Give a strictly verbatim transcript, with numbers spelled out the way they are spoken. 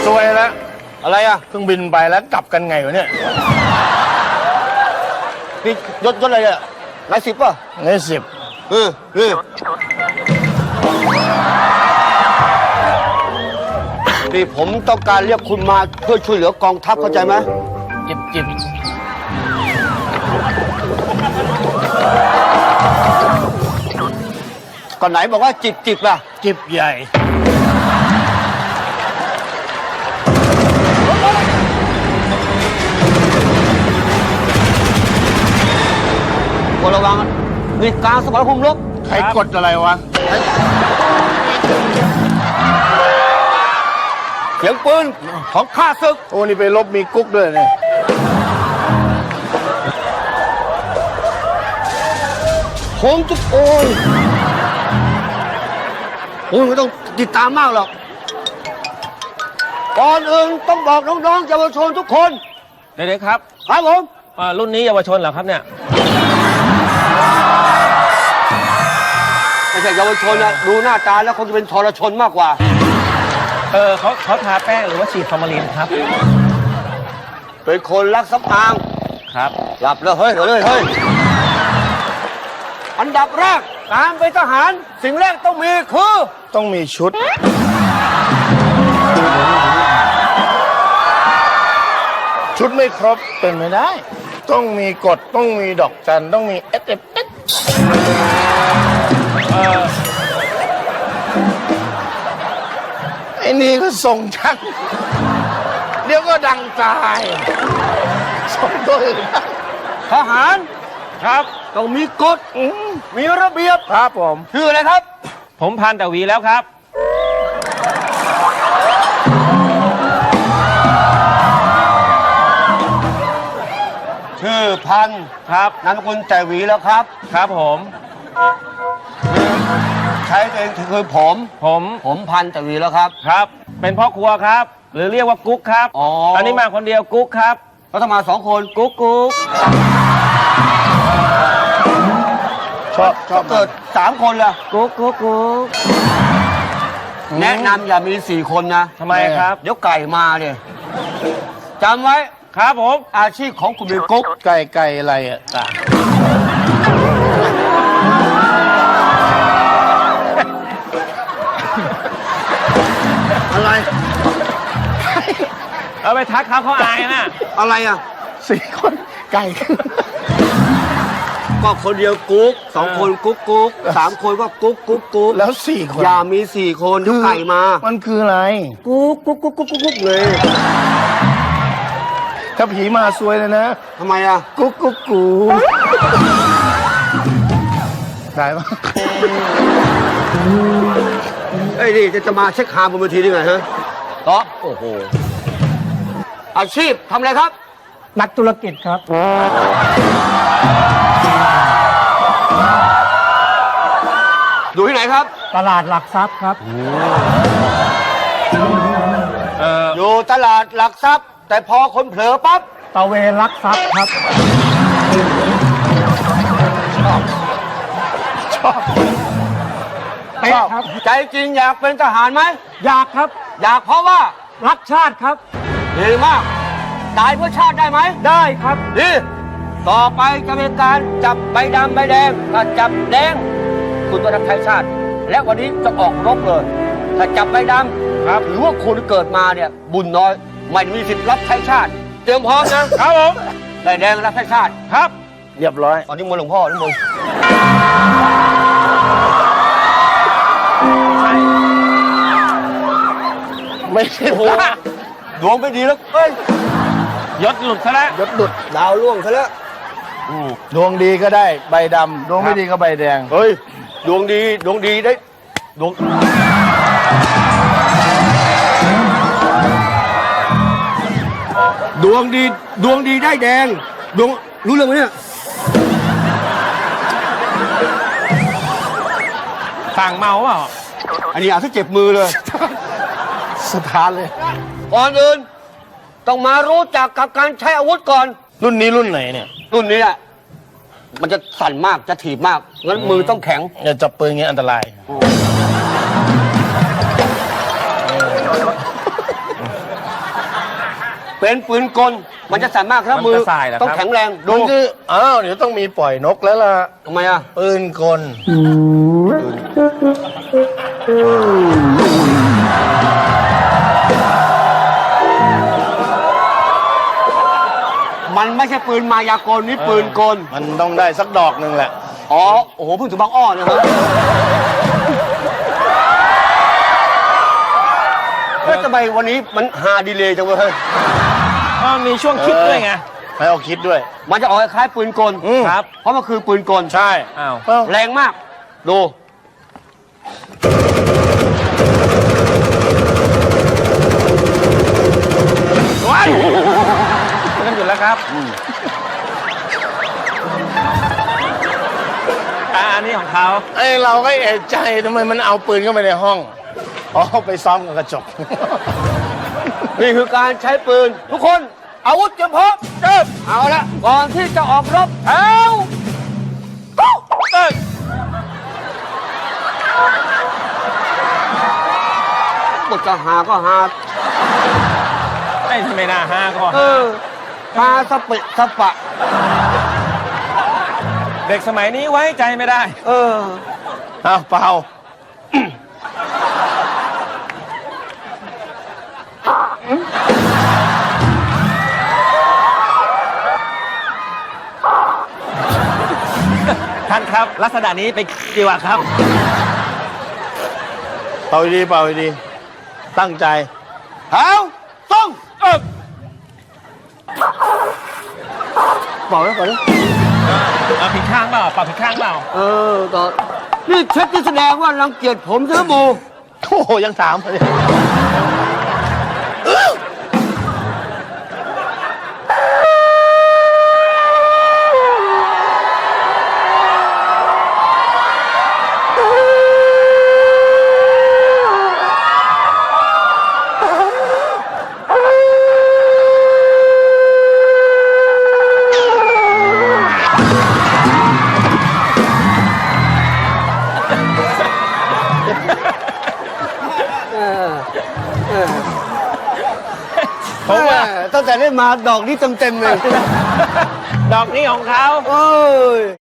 ซวยแล้วอะไรอ่ะเครื่องบินไปแล้วกลับกันไงวะเนี่ยนี่ยศยศอะไรเนี่ยนายสิบป่ะนายสิบเออเออนี่ผมต้องการเรียกคุณมาเพื่อช่วยเหลือกองทัพเข้าใจไหมจิบจิบก่อนไหนบอกว่าจิบจิบอ่ะจิบใหญ่ระวังนี่กลางสมรภูมิรบใครกดอะไรวะเสียงปืนของข้าศึกโอ้นี่ไปลบมีกุ๊กด้วยเนี่ยโค้งจุดโอ้ยโอ้ยไม่ต้องติดตามมากหรอกก่อนอื่นต้องบอกน้องๆเยาวชนทุกคนเด็กๆครับครับผมรุ่นนี้เยาวชนเหรอครับเนี่ยไม่ใช่เยาวชนนะดูหน้าตาแล้วคงจะเป็นทรชนมากกว่าเออเขาเขาทาแป้งหรือว่าฉีดฟอร์มาลินครับเป็นคนรักสำอางครับหลับแล้วเฮ้ยเฮ้ยเฮ้ยอันดับแรกการเป็นทหารสิ่งแรกต้องมีคือต้องมีชุดชุดไม่ครบเป็นไม่ได้ต้องมีกฎต้องมีดอกจันต้องมีเอสเอฟเอสไอ้นี่ก็ส่งชักเดี๋ยวก็ดังตายส่งตัวอื่นทหารครับต้องมีกฎมีระเบียบครับผมชื่ออะไรครับผมพันตะวีแล้วครับชื่อพันครับนามสกุลแต่หวีแล้วครับครับผมใช้ตัวเองคือผมผมผมพันแต่หวีแล้วครับครับเป็นพ่อครัวครับหรือเรียกว่ากุ๊กครับอ๋ออันนี้มาคนเดียวกุ๊กครับเขาต้องมาสองคนกุ๊กกุ๊กชอบชอบเกิดสามคนล่ะกุ๊กกุ๊กกุ๊กแนะนำอย่ามีสี่คนนะทำไมครับเดี๋ยวไก่มาเนี่ยจำไว้ครับผมอาชีพของคุณเป็นกุ๊กไก่ไก่อะไรอ่ะตาอะไรเอาไปทักเขาเขาอายนะอะไรอ่ะสี่คนไก่ก็คนเดียวกุ๊กสองคนกุ๊กกุ๊กสามคนก็กุ๊กกุ๊กกุ๊กแล้วสี่คนอย่ามีสี่คนเดี๋ยวไก่มามันคืออะไรกุ๊กกุ๊กกุ๊กกุ๊กกุ๊กเลยถ้าผีมาซวยเลยนะทำไมอ่ะกุ๊กกุ๊กกูได้ปะไอ้นี่จะมาเช็คหาบนเวทีได้ไงฮะต่อโอ้โหอาชีพทำอะไรครับนักธุรกิจครับอยู่ที่ไหนครับตลาดหลักทรัพย์ครับอยู่ตลาดหลักทรัพย์แต่พอคนเผลอปั๊บตะเวนลักทรัพย์ครับชอบชอบเป๊ะครับใจจริงอยากเป็นทหารไหมอยากครับอยากเพราะว่ารักชาติครับดีมากตายเพื่อชาติได้ไหมได้ครับดีต่อไปจะเป็นการจับใบดำใบแดงถ้าจับแดงคุณต้องรับใช้ชาติและวันนี้จะออกรบเลยถ้าจับใบดำครับหรือว่าคุณเกิดมาเนี่ยบุญน้อยไม่มีสิทธิ์รับใช้ชาติเตรียมพร้อมนะครับผมใบแดงรับใช้ชาติครับเรียบร้อยตอนนี้มนหลวงพ่อนี่มึงไม่ใช่โอ้ดวงไม่ดีแล้วเอ้ยยศหลุดซะแล้วยศหลุดดาวล่วงซะแล้วดวงดีก็ได้ใบดำดวงไม่ดีก็ใบแดงเฮ้ยดวงดีดวงดีได้ดวงดวงดีดวงดีได้แดงดวงรู้เรื่องไหมเนี่ยสั่งเมาเปล่าอันนี้อาจจะเจ็บมือเลยสถานเลยก่อนอื่นต้องมารู้จักกับการใช้อาวุธก่อนรุ่นนี้รุ่นไหนเนี่ยรุ่นนี้อ่ะมันจะสั่นมากจะถีบมากงั้นมือต้องแข็งอย่าจับปืนอย่างนี้อันตรายเป็นปืนกล มันจะสั่นมากครับมันมือจะสายเหรอครับต้องแข็งแรงดูดูคืออ้าวเดี๋ยวต้องมีปล่อยนกแล้วล่ะทำไมอ่ะปืนกลมันไม่ใช่ปืนมายากลนี่ปืนกลมันต้องได้สักดอกหนึ่งแหละอ๋อ โอ้โหเพิ่งถึงบางอ้อนะครับแล้วทำไมวันนี้มันฮาดีเลยจังเว้ยอ๋อมีช่วงคิดด้วยไงให้เอาคิดด้วยมันจะออกคล้ายๆปืนกลอืมครับเพราะมันคือปืนกลใช่อ้าวเอ้าแรงมาก ดูว้ายกันอยู่แล้วครับอ่าอันนี้ของเขาไอเราก็เอะใจทำไมมันเอาปืนเข้าไปในห้อง อ๋อ ไปซ้อมกับกระจกนี่คือการใช้ปืน ทุกคนอาวุธเตรียมพร้อมเริ่มเอาละก่อนที่จะออกรบแถวปุ๊บเอ้ยบทจะหาก็หาไม่ทำไมน่าห้าก็เออหาสเปะสปะเด็กสมัยนี้ไว้ใจไม่ได้เอออ้าวเปล่าท่านครับ ลักษณะนี้ไปดีกว่าครับเป่าดีเป่าดี ตั้งใจแถวต้องเออบอกแล้วก่อนนะเอาผิดข้างเปล่าปรับผิดข้างเปล่าเออต่อนี่เช็ดที่แสดงว่ารังเกียจผมใช่ไหมโมโอ้โห ยังถามเลยผมว่าแตั้งแต่ได้มาดอกนี้เต็มๆเลยดอกนี้ของเขาเอ้ย